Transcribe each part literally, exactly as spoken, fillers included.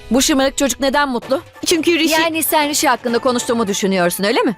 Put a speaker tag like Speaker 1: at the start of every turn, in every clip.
Speaker 1: Bu şımarık çocuk neden mutlu?
Speaker 2: Çünkü Rishi
Speaker 1: Yani sen Rishi hakkında konuştuğumu düşünüyorsun, öyle mi?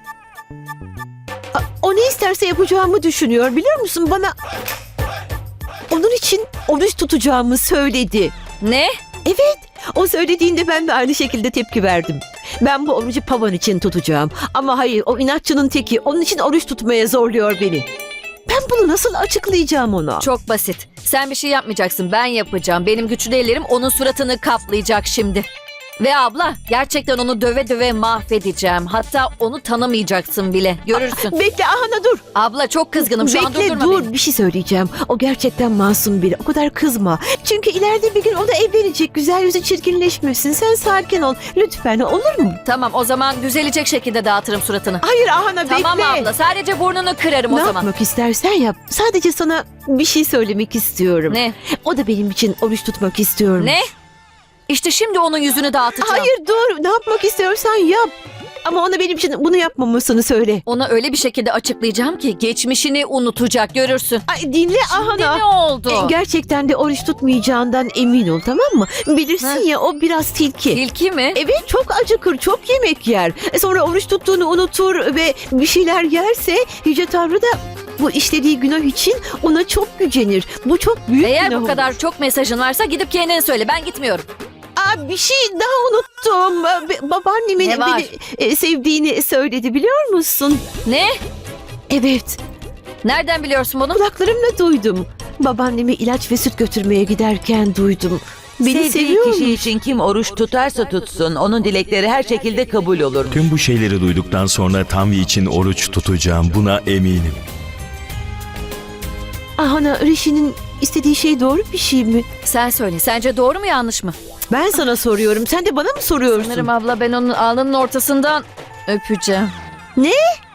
Speaker 2: o ne isterse yapacağımı düşünüyor, biliyor musun? Bana onun için oruç tutacağımı söyledi.
Speaker 1: Ne?
Speaker 2: Evet, o söylediğinde ben de aynı şekilde tepki verdim. Ben bu orucu Pavan için tutacağım. Ama hayır, o inatçının teki. Onun için oruç tutmaya zorluyor beni. Ben bunu nasıl açıklayacağım ona?
Speaker 1: Çok basit. Sen bir şey yapmayacaksın, ben yapacağım. Benim güçlü ellerim onun suratını kaplayacak şimdi. Ve abla, gerçekten onu döve döve mahvedeceğim. Hatta onu tanımayacaksın bile. Görürsün.
Speaker 2: Bekle Ahana, dur.
Speaker 1: Abla çok kızgınım şu an,
Speaker 2: Bekle,
Speaker 1: durdurma
Speaker 2: dur.
Speaker 1: beni.
Speaker 2: Bir şey söyleyeceğim. O gerçekten masum biri. O kadar kızma. Çünkü ileride bir gün o da evlenecek. Güzel yüzü çirkinleşmesin. Sen sakin ol. Lütfen, olur mu?
Speaker 1: Tamam, o zaman düzelecek şekilde dağıtırım suratını.
Speaker 2: Hayır Ahana, bekle.
Speaker 1: Tamam abla, sadece burnunu kırarım
Speaker 2: Ne
Speaker 1: o zaman.
Speaker 2: yapmak istersen yap. Sadece sana bir şey söylemek istiyorum.
Speaker 1: Ne?
Speaker 2: O da benim için oruç tutmak istiyorum.
Speaker 1: Ne? İşte şimdi onun yüzünü dağıtacağım.
Speaker 2: Hayır, dur. Ne yapmak istiyorsan yap. Ama ona benim için bunu yapmamasını söyle.
Speaker 1: Ona öyle bir şekilde açıklayacağım ki geçmişini unutacak, görürsün.
Speaker 2: Ay, dinle
Speaker 1: Şimdi
Speaker 2: Ahana.
Speaker 1: ne oldu?
Speaker 2: E, gerçekten de oruç tutmayacağından emin ol, tamam mı? Bilirsin
Speaker 1: Heh.
Speaker 2: ya, o biraz tilki.
Speaker 1: Tilki mi?
Speaker 2: Evet, çok acıkır, çok yemek yer. E, sonra oruç tuttuğunu unutur ve bir şeyler yerse Yüce Tanrı da bu işlediği günah için ona çok gücenir. Bu çok büyük
Speaker 1: Eğer
Speaker 2: günah
Speaker 1: bu
Speaker 2: olur.
Speaker 1: kadar çok mesajın varsa gidip kendine söyle, ben gitmiyorum.
Speaker 2: Aa, bir şey daha unuttum. Ba- Babaannemin
Speaker 1: Ne var?
Speaker 2: beni e, sevdiğini söyledi, biliyor musun?
Speaker 1: Ne?
Speaker 2: Evet,
Speaker 1: Nereden biliyorsun bunu?
Speaker 2: kulaklarımla duydum. Babaannemi ilaç ve süt götürmeye giderken duydum. Beni
Speaker 3: Sevdiği
Speaker 2: seviyor
Speaker 3: kişi
Speaker 2: mu?
Speaker 3: için kim oruç tutarsa tutsun, onun dilekleri her şekilde kabul olur.
Speaker 4: Tüm bu şeyleri duyduktan sonra Tanvi için oruç tutacağım, buna eminim.
Speaker 2: Ahana, Rishi'nin istediği şey doğru bir şey mi?
Speaker 1: Sen söyle, sence doğru mu yanlış mı?
Speaker 2: Ben sana soruyorum. Sen de bana mı soruyorsun?
Speaker 1: Sanırım abla ben onun alnının ortasından öpeceğim.
Speaker 2: Ne?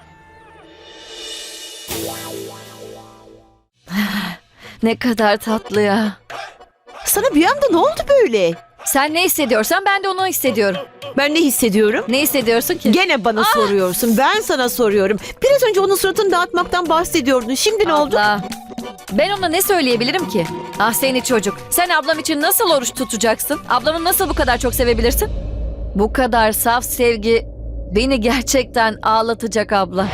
Speaker 1: Ne kadar tatlı ya.
Speaker 2: Sana bir anda ne oldu böyle?
Speaker 1: Sen ne hissediyorsan ben de onu hissediyorum.
Speaker 2: Ben ne hissediyorum?
Speaker 1: Ne hissediyorsun ki?
Speaker 2: Gene bana soruyorsun. Ben sana soruyorum. Biraz önce onun suratını dağıtmaktan bahsediyordun. Şimdi ne oldu?
Speaker 1: Abla, ben ona ne söyleyebilirim ki? Ah seni çocuk. Sen ablam için nasıl oruç tutacaksın? Ablamı nasıl bu kadar çok sevebilirsin? Bu kadar saf sevgi beni gerçekten ağlatacak abla.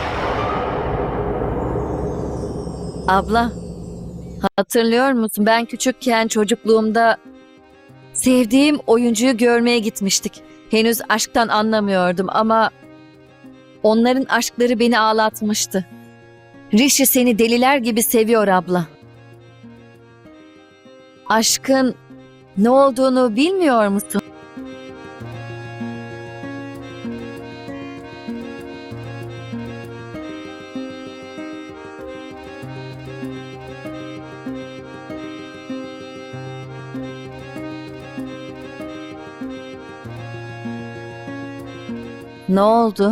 Speaker 1: Abla, hatırlıyor musun? Ben küçükken çocukluğumda sevdiğim oyuncuyu görmeye gitmiştik. Henüz aşktan anlamıyordum ama onların aşkları beni ağlatmıştı. Rishi seni deliler gibi seviyor abla. Aşkın ne olduğunu bilmiyor musun? Ne oldu?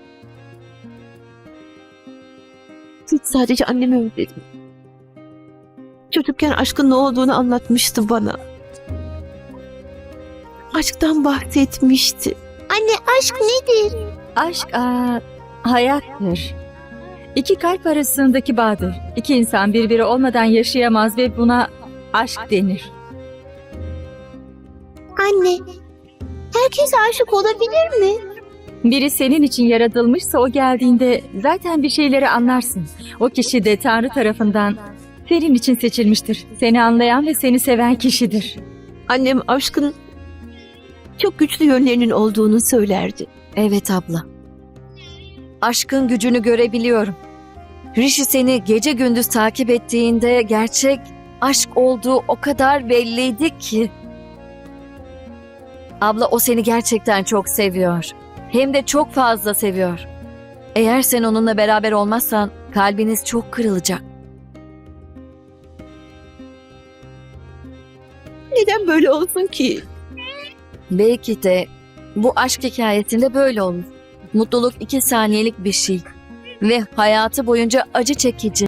Speaker 2: Hiç, sadece annemi özledim. Çocukken aşkın ne olduğunu anlatmıştı bana. Aşktan bahsetmişti. Anne, aşk nedir?
Speaker 5: Aşk aa, hayattır. İki kalp arasındaki bağdır. İki insan birbiri olmadan yaşayamaz ve buna aşk denir.
Speaker 6: Anne, herkes aşık olabilir mi?
Speaker 5: Biri senin için yaratılmışsa o geldiğinde zaten bir şeyleri anlarsın. O kişi de Tanrı tarafından senin için seçilmiştir. Seni anlayan ve seni seven kişidir.
Speaker 2: Annem aşkın çok güçlü yönlerinin olduğunu söylerdi.
Speaker 1: Evet abla. Aşkın gücünü görebiliyorum. Rishi seni gece gündüz takip ettiğinde gerçek aşk olduğu o kadar belliydi ki. Abla o seni gerçekten çok seviyor. Hem de çok fazla seviyor. Eğer sen onunla beraber olmazsan kalbiniz çok kırılacak.
Speaker 2: Neden böyle olsun ki?
Speaker 1: Belki de bu aşk hikayesinde böyle olur. Mutluluk iki saniyelik bir şey ve hayatı boyunca acı çekici.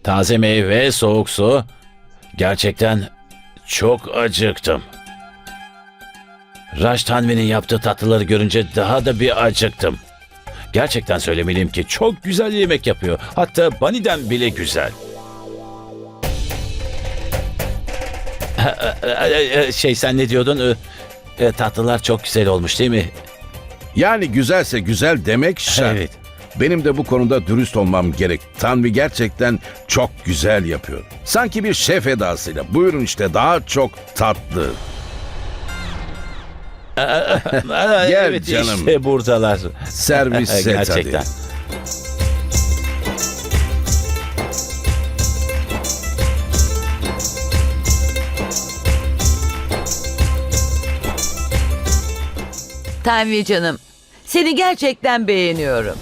Speaker 7: taze meyve, soğuk su. Gerçekten çok acıktım. Raj Tanvi'nin yaptığı tatlıları görünce daha da bir acıktım. Gerçekten söylemeliyim ki çok güzel yemek yapıyor. Hatta Bani'den bile güzel. Şey sen ne diyordun? E, Tatlılar çok güzel olmuş değil mi?
Speaker 8: Yani güzelse güzel demek şart.
Speaker 7: Evet.
Speaker 8: Benim de bu konuda dürüst olmam gerek. Tanvi gerçekten çok güzel yapıyor. Sanki bir şef edasıyla. Buyurun işte daha çok tatlı. Gel
Speaker 7: evet,
Speaker 8: canım.
Speaker 7: işte buradalar.
Speaker 8: Servis set
Speaker 7: Gerçekten.
Speaker 8: hadi.
Speaker 3: Tanvi canım, seni gerçekten beğeniyorum.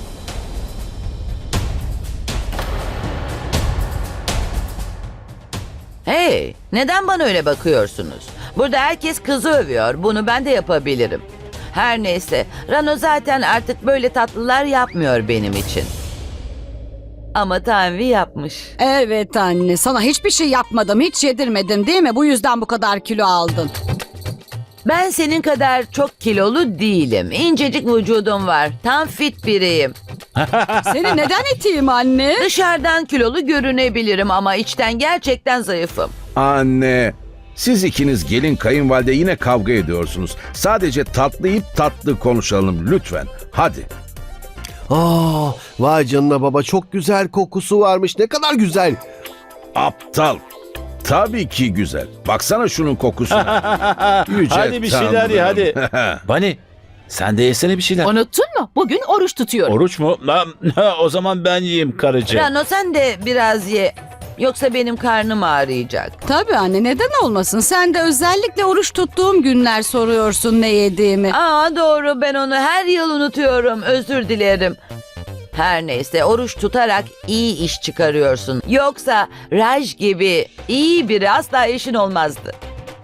Speaker 3: Hey, neden bana öyle bakıyorsunuz? Burada herkes kızı övüyor. Bunu ben de yapabilirim. Her neyse, Rano zaten artık böyle tatlılar yapmıyor benim için. Ama Tanvi yapmış.
Speaker 9: Evet anne, sana hiçbir şey yapmadım, hiç yedirmedim değil mi? Bu yüzden bu kadar kilo aldın.
Speaker 3: Ben senin kadar çok kilolu değilim. İncecik vücudum var. Tam fit biriyim.
Speaker 9: Seni neden iteyim anne?
Speaker 3: Dışarıdan kilolu görünebilirim ama içten gerçekten zayıfım.
Speaker 8: Anne, siz ikiniz gelin kayınvalide yine kavga ediyorsunuz. Sadece tatlı yiyip tatlı konuşalım lütfen. Hadi.
Speaker 10: Aa, vay canına baba, çok güzel kokusu varmış. Ne kadar güzel.
Speaker 8: Aptal. Tabii ki güzel. Baksana şunun kokusuna. Yüce
Speaker 7: Hadi bir şeyler ye hadi.
Speaker 8: Tanrım.
Speaker 7: Bani sen de yesene bir şeyler.
Speaker 11: Unuttun mu? Bugün oruç tutuyorum.
Speaker 7: Oruç mu? Ha, o zaman ben yiyeyim karıcığım.
Speaker 3: Rano sen de biraz ye. Yoksa benim karnım ağrıyacak.
Speaker 9: Tabii anne, neden olmasın? Sen de özellikle oruç tuttuğum günler soruyorsun ne yediğimi.
Speaker 3: Aa doğru, ben onu her yıl unutuyorum. Özür dilerim. Her neyse, oruç tutarak iyi iş çıkarıyorsun. Yoksa Raj gibi iyi biri asla eşin olmazdı.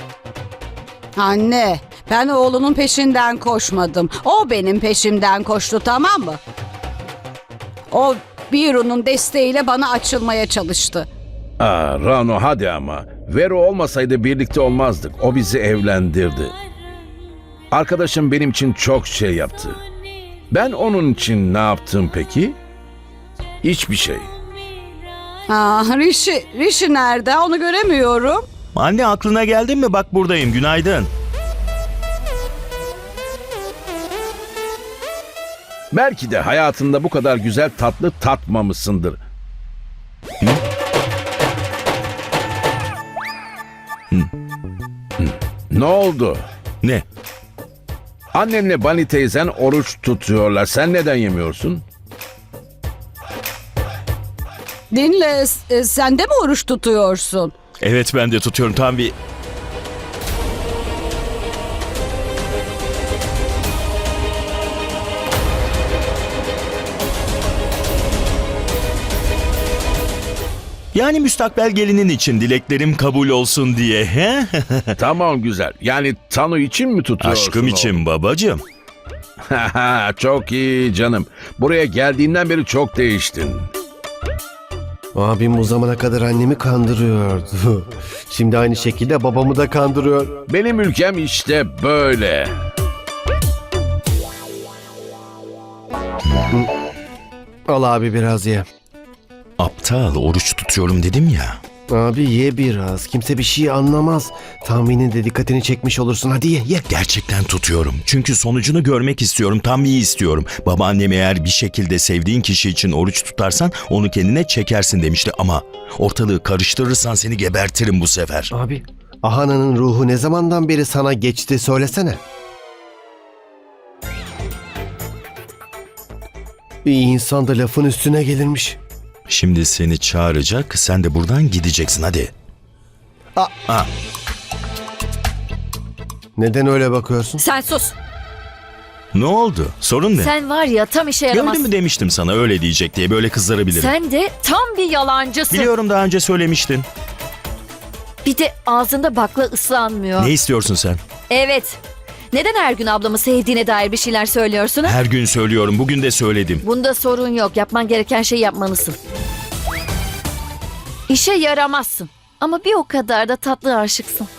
Speaker 9: Anne, ben oğlunun peşinden koşmadım. O benim peşimden koştu, tamam mı? O Biru'nun desteğiyle bana açılmaya çalıştı.
Speaker 8: Aa, Rano hadi ama. Vero olmasaydı birlikte olmazdık. O bizi evlendirdi. Arkadaşım benim için çok şey yaptı. Ben onun için ne yaptım peki? Hiçbir şey.
Speaker 9: Aa, Rishi, Rishi nerede? Onu göremiyorum.
Speaker 4: Anne aklına geldin mi? Bak buradayım. Günaydın.
Speaker 8: Belki de hayatında bu kadar güzel tatlı tatmamışsındır. Hı? Hı. Hı. Ne oldu?
Speaker 4: Ne?
Speaker 8: Annenle Bani teyzen oruç tutuyorlar. Sen neden yemiyorsun?
Speaker 9: Dinle, e, sen de mi oruç tutuyorsun?
Speaker 4: Evet ben de tutuyorum. Tam bir... Yani müstakbel gelinin için dileklerim kabul olsun diye. He?
Speaker 8: Tamam güzel. Yani Tanu için mi tutuyorsun?
Speaker 4: Aşkım için babacığım.
Speaker 8: Çok iyi canım. Buraya geldiğinden beri çok değiştin.
Speaker 10: Abim bu zamana kadar annemi kandırıyordu. Şimdi aynı şekilde babamı da kandırıyor.
Speaker 8: Benim ülkem işte böyle.
Speaker 10: Al abi biraz ye.
Speaker 4: Aptal, oruç tutuyorum dedim ya.
Speaker 10: Abi ye biraz. Kimse bir şey anlamaz. Tahminin de dikkatini çekmiş olursun. Hadi ye ye.
Speaker 4: Gerçekten tutuyorum. Çünkü sonucunu görmek istiyorum. Tam iyi istiyorum. Babaannem eğer bir şekilde sevdiğin kişi için oruç tutarsan onu kendine çekersin demişti ama ortalığı karıştırırsan seni gebertirim bu sefer.
Speaker 10: Abi, Ahana'nın ruhu ne zamandan beri sana geçti söylesene. Bir insan da lafın üstüne gelirmiş.
Speaker 4: Şimdi seni çağıracak, sen de buradan gideceksin hadi.
Speaker 10: Aa.
Speaker 4: Ha.
Speaker 10: Neden öyle bakıyorsun?
Speaker 1: Sen sus.
Speaker 4: Ne oldu? Sorun ne?
Speaker 1: Sen var ya tam işe yaramazsın.
Speaker 4: Gördün mü demiştim sana öyle diyecek diye, böyle kızları bilirim.
Speaker 1: Sen de tam bir yalancısın.
Speaker 4: Biliyorum, daha önce söylemiştin.
Speaker 1: Bir de ağzında bakla ıslanmıyor.
Speaker 4: Ne istiyorsun sen?
Speaker 1: Evet. Neden her gün ablamı sevdiğine dair bir şeyler söylüyorsun? ha?
Speaker 4: Her gün söylüyorum, bugün de söyledim.
Speaker 1: Bunda sorun yok. Yapman gereken şeyi yapmalısın. İşe yaramazsın. Ama bir o kadar da tatlı aşıksın.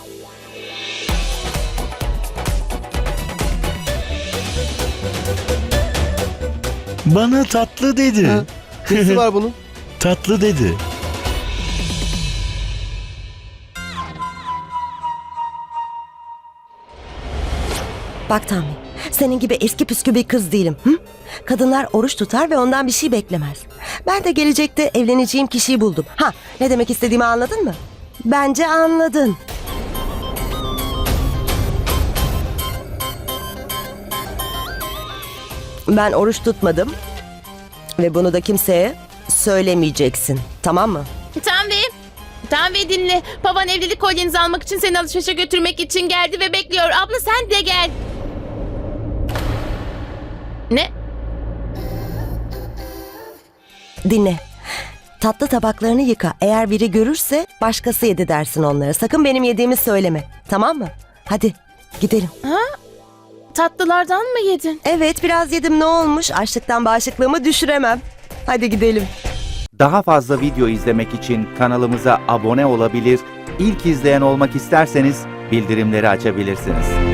Speaker 4: Bana tatlı dedi.
Speaker 10: Ha, nesi var bunun?
Speaker 4: Tatlı dedi.
Speaker 12: Bak Tanvi, senin gibi eski püskü bir kız değilim. Hı? Kadınlar oruç tutar ve ondan bir şey beklemez. Ben de gelecekte evleneceğim kişiyi buldum. Ha, ne demek istediğimi anladın mı? Bence anladın. Ben oruç tutmadım ve bunu da kimseye söylemeyeceksin. Tamam mı?
Speaker 11: Tanvi. Tanvi dinle. Baban evlilik kolyenizi almak için seni alışverişe götürmek için geldi ve bekliyor. Abla sen de gel. Ne?
Speaker 12: Dinle. Tatlı tabaklarını yıka. Eğer biri görürse başkası yedi dersin onlara. Sakın benim yediğimi söyleme. Tamam mı? Hadi gidelim.
Speaker 11: Tatlılardan mı yedin?
Speaker 12: Evet, biraz yedim, ne olmuş? Açlıktan bağışıklığımı düşüremem. Hadi gidelim.
Speaker 13: Daha fazla video izlemek için kanalımıza abone olabilir, ilk izleyen olmak isterseniz bildirimleri açabilirsiniz.